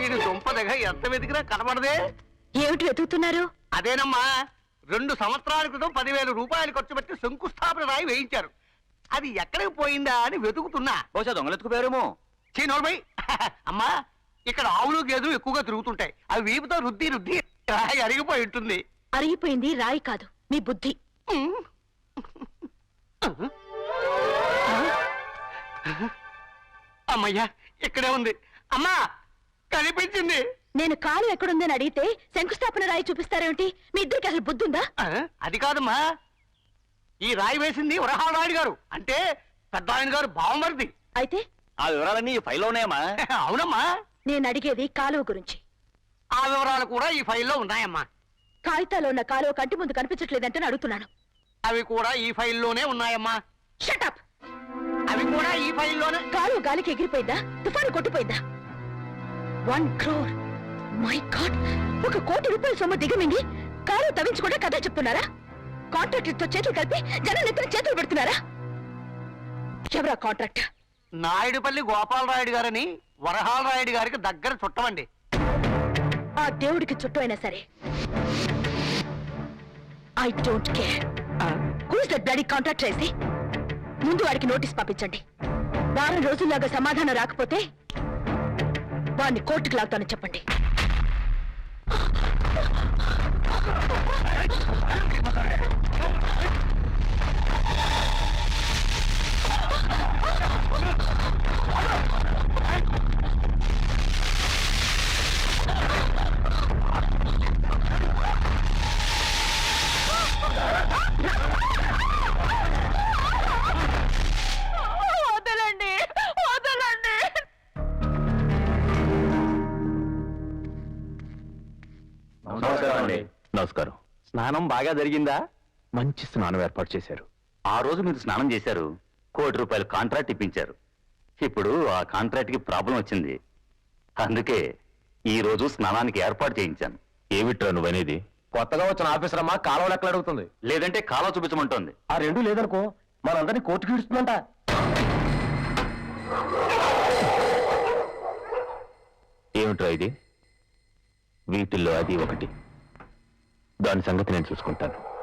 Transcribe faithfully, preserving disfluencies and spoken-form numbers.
దీని దుంపదగా ఎంత వెతికినా కనబడదే. ఏమిటి వెతుకుతున్నారు? అదేనమ్మా, రెండు సంవత్సరాల క్రితం పదివేల రూపాయలు ఖర్చు పెట్టి శంకుస్థాపన రాయి వేయించారు. అది ఎక్కడికి పోయిందా అని వెతుకుతున్నా. బహుశా దొంగలెత్తుకుపోయారేమో. చీనోర్మై, అమ్మా ఇక్కడ ఆవులు గేదెలు ఎక్కువగా తిరుగుతుంటాయి. అవి వీపుతో రుద్ది రుద్ది రాయి అరిగిపోయి ఉంటుంది. అరిగిపోయింది రాయి కాదు, మీ బుద్ధి. అమ్మయ్యా, ఇక్కడే ఉంది. అమ్మా కనిపించింది. నేను కాలు ఎక్కడుందని అడిగితే శంకుస్థాపన రాయి చూపిస్తారేమిటి? మీ ఇద్దరికి అసలు బుద్ధుందా? అది కాదమ్మా, ఈ రాయి వేసింది వరహాలరాయుడు గారు, అంటే పెద్ద ఆయన గారు బావమరిది. అయితే ఆ వివరాలన్నీ ఈ ఫైల్లో ఉన్నాయమ్మా. అవునమ్మా. నేను అడిగేది కాలువ గురించి. ఆ వివరాలు కూడా ఈ ఫైల్లో ఉన్నాయమ్మా. కాగితాలో ఉన్న కాలువ కంటి ముందు కనిపించట్లేదంటే అడుగుతున్నాను. అవి కూడా ఈ ఫైల్లోనే ఉన్నాయమ్మా. షటప్. అవి కూడా ఈ ఫైల్లోనే. కాలువ గాలికి ఎగిరిపోయిందా? తుఫాను కొట్టిపోయిందా? One crore my God! ఒక కోటి రూపాయల సొమ్ము దిగమింగి కాలువ తవ్వించకుండా కథ చెప్తున్నారా? కాంట్రాక్టర్తో చేతులు కలిపి జనం నెత్తిన చేతులు పెడుతున్నారా? ఎవరా కాంట్రాక్ట్? నాయుడుపల్లి గోపాలరాయుడు గారని వరహాలరాయుడు గారికి దగ్గర చుట్టమండి. ఆ దేవుడికి చుట్టూ అయినా సరే I don't care. Who's that bloody contract చేసి ముందు వాడికి నోటీస్ పంపించండి. వారం రోజుల్లాగా సమాధానం రాకపోతే వాడిని కోర్టుకు లాగుతానని చెప్పండి. నమస్కారం. స్నానం బాగా జరిగిందా? మంచి స్నానం ఏర్పాటు చేశారు. ఆ రోజు మీరు స్నానం చేశారు, కోటి రూపాయల కాంట్రాక్ట్ ఇప్పించారు. ఇప్పుడు ఆ కాంట్రాక్ట్ కి ప్రాబ్లం వచ్చింది, అందుకే ఈ రోజు స్నానానికి ఏర్పాటు చేయించాను. ఏమిట్రా నువ్వనేది? కొత్తగా వచ్చిన ఆఫీసర్ అమ్మా కాలువ లెక్కలు అడుగుతుంది. లేదంటే కాలువ చూపించమంటోంది. ఆ రెండు లేదనుకో మనందరినీ కోర్టుకి ఇడుస్తుందంట. ఏమిట్రా ఇది? వీటిల్లో అది ఒకటి. దాని సంగతి నేను చూసుకుంటాను.